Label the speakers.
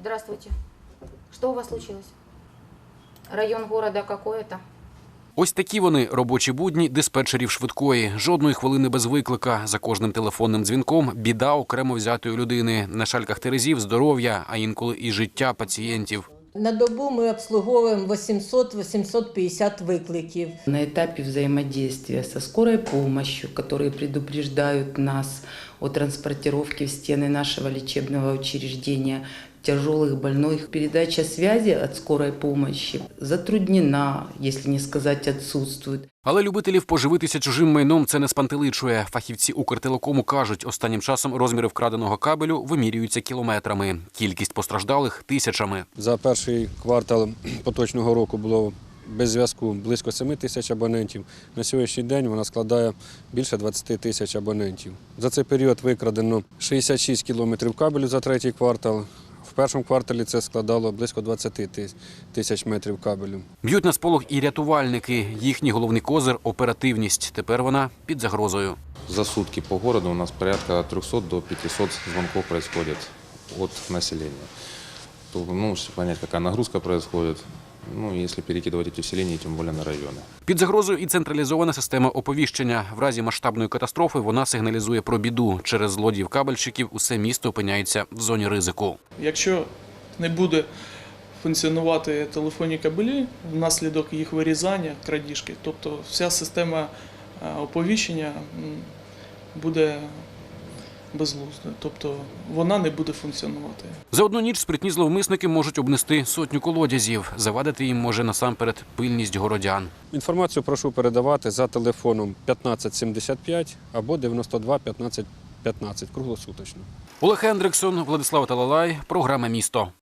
Speaker 1: Здравствуйте. Что у вас случилось? Район города какой-то?
Speaker 2: Ось такі вони – робочі будні диспетчерів швидкої. Жодної хвилини без виклика. За кожним телефонним дзвінком – біда окремо взятої людини. На шальках терезів – здоров'я, а інколи і життя пацієнтів.
Speaker 3: На добу ми обслуговуємо 800-850 викликів.
Speaker 4: На этапе взаимодействия со скорой помощью, которые предупреждают нас о транспортировке в стены нашего лечебного учреждения тяжелых больных, передача связи от скорой помощи затруднена, если не сказать отсутствует.
Speaker 2: Але любителів поживитися чужим майном це не спантеличує. Фахівці Укртелекому кажуть, останнім часом розміри вкраденого кабелю вимірюються кілометрами. Кількість постраждалих – тисячами.
Speaker 5: За перший квартал поточного року було без зв'язку близько 7 тисяч абонентів. На сьогоднішній день вона складає більше 20 тисяч абонентів. За цей період викрадено 66 кілометрів кабелю за третій квартал. В першому кварталі це складало близько 20 тисяч метрів кабелю.
Speaker 2: Б'ють на сполох і рятувальники. Їхній головний козир – оперативність. Тепер вона під загрозою.
Speaker 6: За сутки по городу у нас порядка от 300 до 500 звонков происходит от населения. Чтобы понять, какая нагрузка происходит, если перекидывать эти усиления, тем более на районы.
Speaker 2: Під загрозою і централізована система оповіщення. В разі масштабної катастрофи вона сигналізує про біду. Через злодіїв-кабельщиків усе місто опиняється в зоні ризику.
Speaker 7: Якщо не буде функціонувати телефонні кабелі внаслідок їх вирізання, крадіжки, тобто вся система оповіщення буде безглуздою, тобто вона не буде функціонувати.
Speaker 2: За одну ніч спритні зловмисники можуть обнести сотню колодязів. Завадити їм може насамперед пильність городян.
Speaker 5: Інформацію прошу передавати за телефоном 1575 або 92 15 15 круглосуточно.
Speaker 2: Олег Хендриксон, Владислав Талалай, програма «Місто».